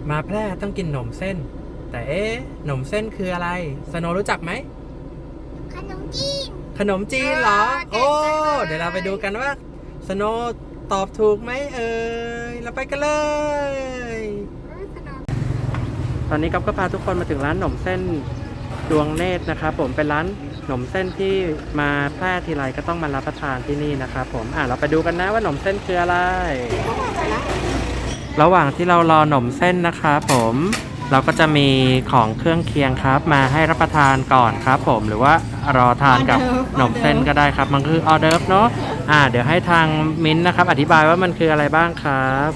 มาแพร่ต้องกินขนมเส้นแต่ขนมเส้นคืออะไรสโนรู้จักไหมขนมจีนขนมจีนเหรอโอ้เดี๋ยวเราไปดูกันว่าสโนตอบถูกไหมเราไปกันเลยตอนนี้ก๊อฟก็พาทุกคนมาถึงร้านขนมเส้นดวงเนตรนะครับผมเป็นร้านขนมเส้นที่มาแพร่ทีไรก็ต้องมารับประทานที่นี่นะครับผมเราไปดูกันนะว่าขนมเส้นคืออะไรระหว่างที่เรารอขนมเส้นนะครับผมเราก็จะมีของเครื่องเคียงครับมาให้รับประทานก่อนครับผมหรือว่ารอทานกับขนมเส้นก็ได้ครับมันคือออเดิร์ฟเนาะเดี๋ยวให้ทางมิ้นท์นะครับอธิบายว่ามันคืออะไรบ้างครับ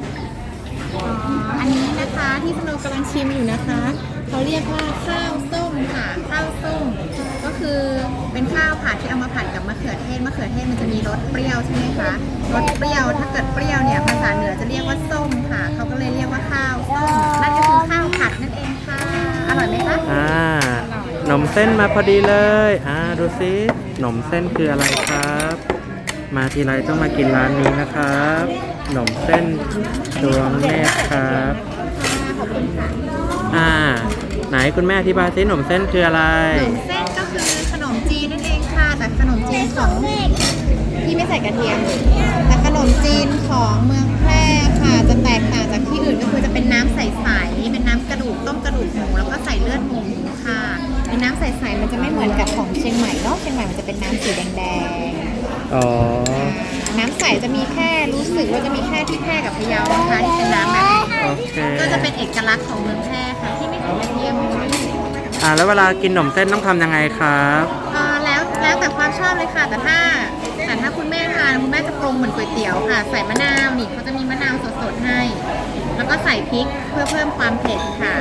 อันนี้นะคะที่สโนกำลังชิมอยู่นะคะเขาเรียกว่าข้าวส้มค่ะข้าวส้มก็คือเป็นข้าวผัดที่เอามาผัดกับมะเขือเทศมันจะมีรสเปรี้ยวใช่ไหมคะรสเปรี้ยวถ้าเกิดเปรี้ยวเนี่ยภาษาเหนือจะเรียกว่าส้มค่ะเขาก็เลยเรียกว่าข้าวส้มนั่นก็คือข้าวผัดนั่นเองค่ะอร่อยไหมคะขนมเส้นมาพอดีเลยดูซิขนมเส้นคืออะไรครับมาทีไรต้องมากินร้านนี้นะครับขนมเส้นดวงเนตรครับไหนคุณแม่อธิบายซิขนมเส้นคืออะไรขนมเส้นก็คือขนมจีนนั่นเองค่ะแต่ขนมจีนของที่ไม่ใส่กระเทียมแต่ขนมจีนของเมืองแพร่ค่ะจะแตกต่างจากที่อื่นก็คือจะเป็นน้ำใสๆเป็นน้ำกระดูกต้มกระดูกหมูแล้วก็ใส่เลือดหมูค่ะเป็นน้ำใสๆมันจะไม่เหมือนกับของเชียงใหม่เนาะเชียงใหม่มันจะเป็นน้ำสีแดงๆน้ำใสจะมีแค่รู้สึกว่าจะมีแค่ที่แพร่กับพะเยานะคะที่เป็นน้ำแบบนี้ก็จะเป็นเอกลักษณ์ของเมืองแพร่ค่ะที่ไม่ใส่กระเทียมแล้วเวลากินขนมเส้นต้องทำยังไงครับแล้วแต่ความชอบเลยค่ะแต่ถ้าคุณแม่ทานคุณแม่จะปรุงเหมือนก๋วยเตี๋ยวค่ะใส่มะนาวนี่เขาจะมีมะนาวสดๆให้แล้วก็ใส่พริกเพื่อเพิ่มความเผ็ดค่ะ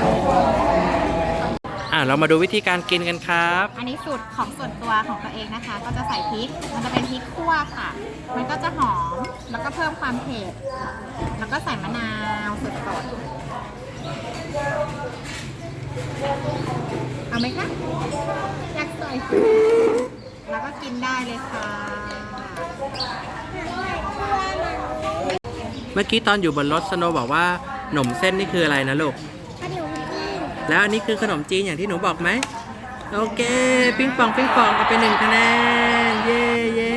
เรามาดูวิธีการกินกันครับอันนี้สูตรของส่วนตัวของตัวเองนะคะก็จะใส่พริกมันจะเป็นพริกคั่วค่ะมันก็จะหอมแล้วก็เพิ่มความเผ็ดแล้วก็ใส่มะนาวสดๆเอาไหมคะอยากใส่แล้วก็กินได้เลยค่ะเมื่อกี้ตอนอยู่บนรถสโนบอกว่าขนมเส้นนี่คืออะไรนะลูกแล้วอันนี้คือขนมจีนอย่างที่หนูบอกไหมโอเคปิ้งปองเอาไป1 คะแนนเย้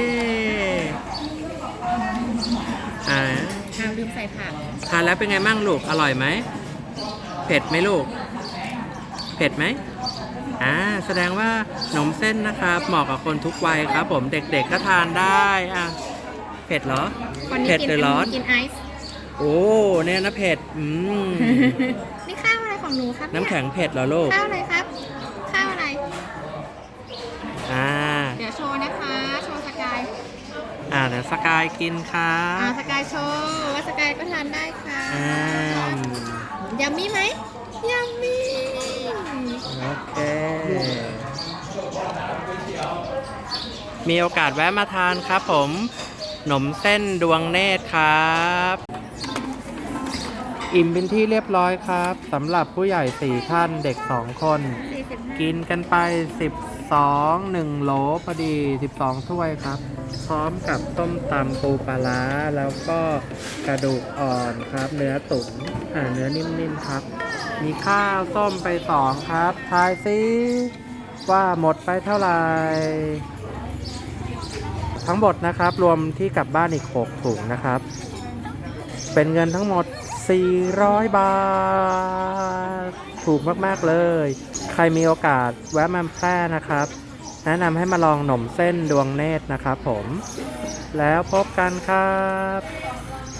ลืมใส่ผักทานแล้วเป็นไงบ้างลูกอร่อยไหมเผ็ดไหมลูกเผ็ดไหมแสดงว่าขนมเส้นนะครับเหมาะกับคนทุกวัยครับผมเด็กๆก็ทานได้เผ็ดเหรอเผ็ดหรือร้อนกินไอซ์โอ้เนี่ยนะเผ็ดนี่ข้าวอะไรของหนูครับน้ำแข็งเผ็ดเหรอลูกข้าวอะไรครับข้าวอะไรเดี๋ยวโชว์นะคะโชว์สกายเดี๋ยวสกายกินครับสกายโชว์ว่าสกายก็ทานได้ค่ะยัมมี่ไหมยัมมี่โอเคมีโอกาสแวะมาทานครับผมขนมเส้นดวงเนตรครับอิ่มเป็นที่เรียบร้อยครับสำหรับผู้ใหญ่4 ท่านเด็ก2 คนกินกันไป1 โหลพอดี12 ถ้วยครับพร้อมกับต้มตำปูปลาร้าแล้วก็กระดูกอ่อนครับเนื้อตุ๋นเนื้อนิ่มๆครับมีข้าวส้มไป2ครับทายซิว่าหมดไปเท่าไหร่ทั้งหมดนะครับรวมที่กลับบ้านอีก6 ถุงนะครับเป็นเงินทั้งหมด400 บาทถูกมากๆเลยใครมีโอกาสแวะมาแพร่นะครับแนะนำให้มาลองขนมเส้นดวงเนตรนะครับผมแล้วพบกันครับ